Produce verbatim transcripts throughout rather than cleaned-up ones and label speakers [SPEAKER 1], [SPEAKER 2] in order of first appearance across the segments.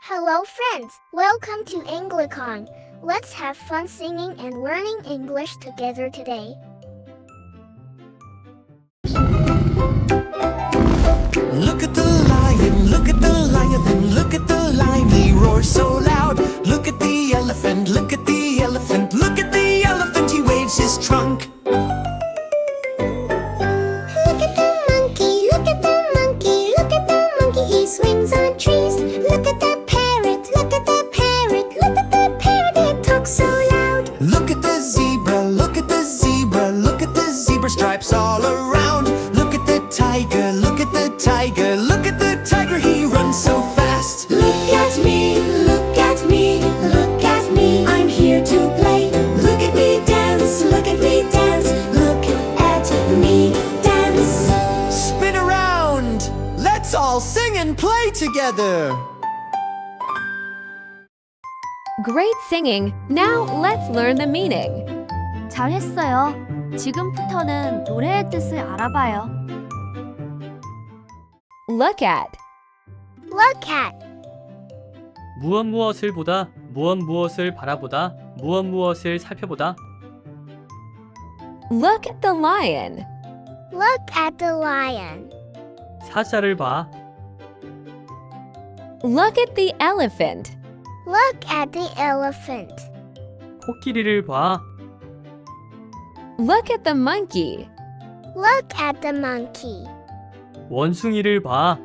[SPEAKER 1] Hello friends, welcome to Anglicon. Let's have fun singing and learning English together today.
[SPEAKER 2] Look at the lion, look at the lion, look at the lion, he roars so loud. Look at the elephant, look at the elephant, look at the elephant, he waves his trunk.
[SPEAKER 1] Look at the monkey, look at the monkey, look at the monkey, he swings on trees. Look at the parrot, look at the parrot, look at the parrot, it talks so loud.
[SPEAKER 2] Look at the zebra, look at the zebra, look at the zebra stripes all around. Look at the tiger, look at the tiger, look at the tiger, he runs so fast.
[SPEAKER 1] Look at me, look at me, look at me, I'm here to play. Look at me dance, look at me dance, look at me dance.
[SPEAKER 2] Spin around, let's all sing and play together.
[SPEAKER 3] Great singing! Now let's learn the meaning.
[SPEAKER 4] 잘했어요. 지금부터는 노래의 뜻을 알아봐요.
[SPEAKER 3] Look at.
[SPEAKER 1] Look at,
[SPEAKER 5] 무엇 무엇을 보다, 무엇 무엇을 바라보다, 무엇 무엇을 살펴보다.
[SPEAKER 3] Look at the lion.
[SPEAKER 1] look at the lion.
[SPEAKER 5] 사자를 봐.
[SPEAKER 3] Look at the elephant.
[SPEAKER 1] Look at the elephant.
[SPEAKER 5] 코끼리를 봐.
[SPEAKER 3] Look at the monkey.
[SPEAKER 1] Look at the monkey.
[SPEAKER 5] 원숭이를 봐.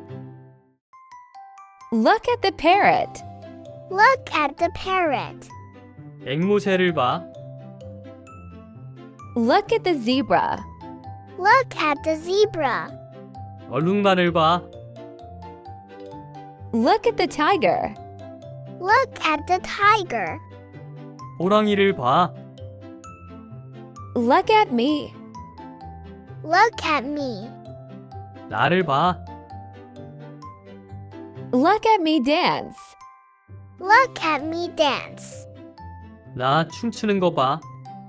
[SPEAKER 3] Look at the parrot.
[SPEAKER 1] Look at the parrot.
[SPEAKER 5] 앵무새를 봐.
[SPEAKER 3] Look at the zebra.
[SPEAKER 1] Look at the zebra.
[SPEAKER 5] 얼룩말을 봐.
[SPEAKER 3] Look at the tiger.
[SPEAKER 1] Look at the tiger.
[SPEAKER 5] 호랑이를 봐.
[SPEAKER 3] Look at me.
[SPEAKER 1] Look at me.
[SPEAKER 5] 나를 봐.
[SPEAKER 3] Look at me dance.
[SPEAKER 1] Look at me dance.
[SPEAKER 5] 나 춤추는 거 봐.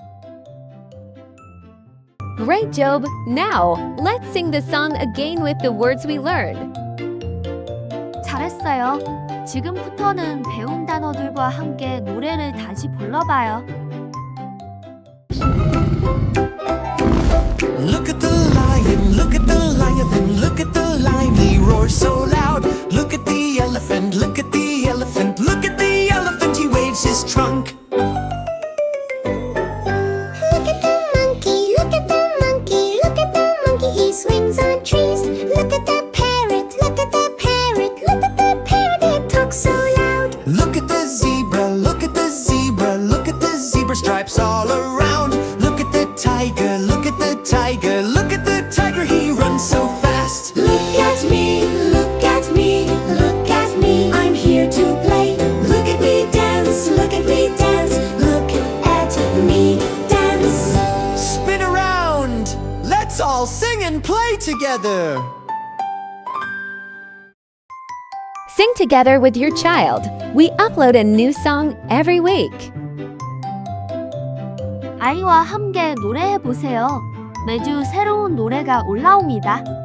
[SPEAKER 3] Great job! Now, let's sing the song again with the words we learned.
[SPEAKER 4] 잘했어요. 지금부터는 배운 단어들과 함께 노래를 다시 불러봐요.
[SPEAKER 2] Look at the lion, look at the lion, look at the lion, he roars so loud. Look at the elephant, look at the elephant, look at the elephant, he waves his trunk.
[SPEAKER 1] Look at the monkey, look at the monkey, look at the monkey, he swings on trees. Look at the parrot, look at the parrot, look at the parrot, it talks so loud.
[SPEAKER 2] Look at the zebra, look at the zebra, look at the zebra stripes all around. Look at the tiger, look at the tiger, look at the tiger, he runs so fast.
[SPEAKER 1] Look at me, look at me, look at me, I'm here to play. Look at me dance, look at me dance, look at me dance.
[SPEAKER 2] Spin around, let's all sing and play together.
[SPEAKER 3] Sing together with your child. We upload a new song every week.
[SPEAKER 4] 아이와 함께 노래해 보세요. 매주 새로운 노래가 올라옵니다.